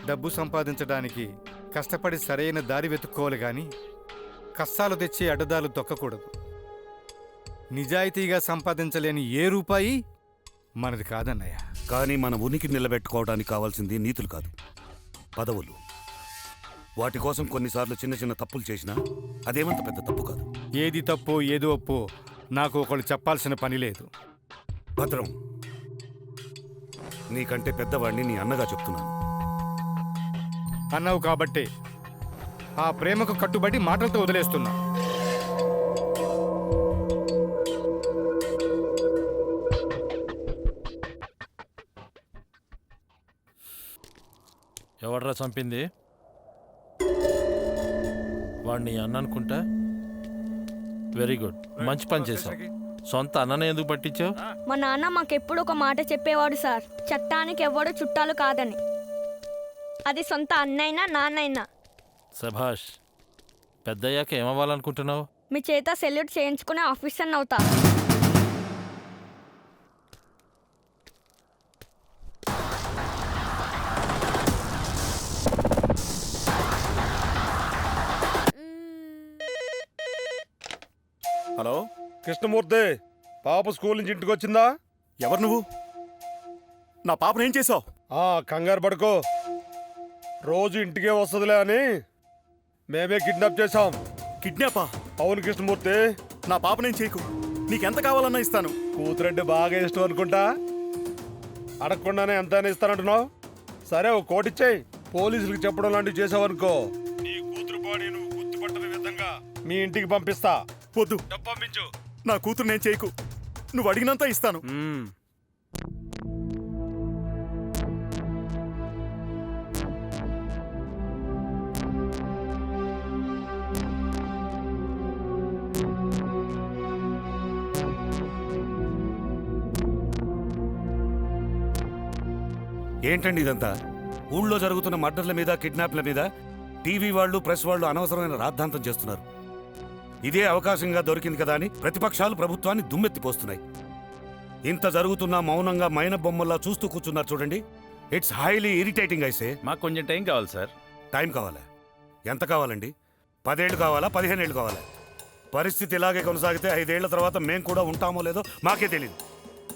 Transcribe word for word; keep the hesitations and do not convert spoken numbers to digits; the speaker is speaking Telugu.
డబ్బు సంపాదించడానికి కష్టపడి సరైన దారి వెతుక్కోవాలి కానీ కష్టాలు తెచ్చి అడ్డదారులు తొక్కకూడదు. నిజాయితీగా సంపాదించలేని ఏ రూపాయి మనది కాదన్నయ్య. కానీ మన ఉనికి నిలబెట్టుకోవడానికి కావాల్సింది నీతులు కాదు, పదవులు. వాటి కోసం కొన్నిసార్లు చిన్న చిన్న తప్పులు చేసినా అదేమంత పెద్ద తప్పు కాదు. ఏది తప్పో ఏదో ఒప్పో నాకు ఒకళ్ళు చెప్పాల్సిన పని లేదు. భద్రం, నీకంటే పెద్దవాడిని నీ అన్నగా చెప్తున్నాను. అన్నావు కాబట్టే ఆ ప్రేమకు కట్టుబడి మాటలతో వదిలేస్తున్నా. ఎవడ్రా చంపింది? వాడిని అన్న అనుకుంటా. వెరీ గుడ్, మంచి పని చేశావు. సొంత అన్ననే ఎందుకు పట్టించావు? మా నాన్న మాకెప్పుడు ఒక మాట చెప్పేవాడు సార్, చట్టానికి ఎవ్వడు చుట్టాలు కాదని. అది సొంత అన్నైనా నాన్నైనా. సభాష్. పెద్దయ్యాక ఏమవ్వాలనుకుంటున్నావు? మీ చేత సెల్యూట్ చేయించుకునే ఆఫీసర్ అవుతా. హలో కృష్ణమూర్తి, పాప స్కూల్ నుంచి ఇంటికి వచ్చిందా? ఎవరు నువ్వు? నా పాపను ఏం చేసావు? ఆ కంగారు పడుకో, రోజు ఇంటికే వస్తుందిలే అని మేమే కిడ్నాప్ చేశాం. కిడ్నాపా? అవును కృష్ణమూర్తి. నా పాపనేం చేయకు, నీకెంత కావాలన్నా ఇస్తాను. కూతురంటే బాగా ఇష్టం అనుకుంటా, అడగకుండానే ఎంతైనా ఇస్తానంటున్నావు. సరే ఒక కోటి ఇచ్చేయి. పోలీసులకు చెప్పడం లాంటివి చేసావనుకో, నీ కూతురు బాడీ నువ్వు గుర్తుపట్టని విధంగా మీ ఇంటికి పంపిస్తా. వద్దు, డబ్బు పంపించు. నా కూతురు నేను చేయకు, నువ్వు అడిగినంత ఇస్తాను. ఏంటండి ఇదంతా? ఊళ్ళో జరుగుతున్న మర్డర్ల మీద, కిడ్నాప్ల మీద టీవీ వాళ్ళు, ప్రెస్ వాళ్ళు అనవసరమైన రాద్ధాంతం చేస్తున్నారు. ఇదే అవకాశంగా దొరికింది కదా అని ప్రతిపక్షాలు ప్రభుత్వాన్ని దుమ్మెత్తిపోస్తున్నాయి. ఇంత జరుగుతున్నా మౌనంగా మైన బొమ్మల్లా చూస్తూ కూర్చున్నారు చూడండి. It's highly irritating. అయితే మాకు కొంచెం టైం కావాలి సార్. టైం కావాలా? ఎంత కావాలండి? పదేళ్ళు కావాలా? పదిహేను ఏళ్ళు కావాలా? పరిస్థితి ఇలాగే కొనసాగితే ఐదేళ్ల తర్వాత మేం కూడా ఉంటామో లేదో మాకే తెలియదు.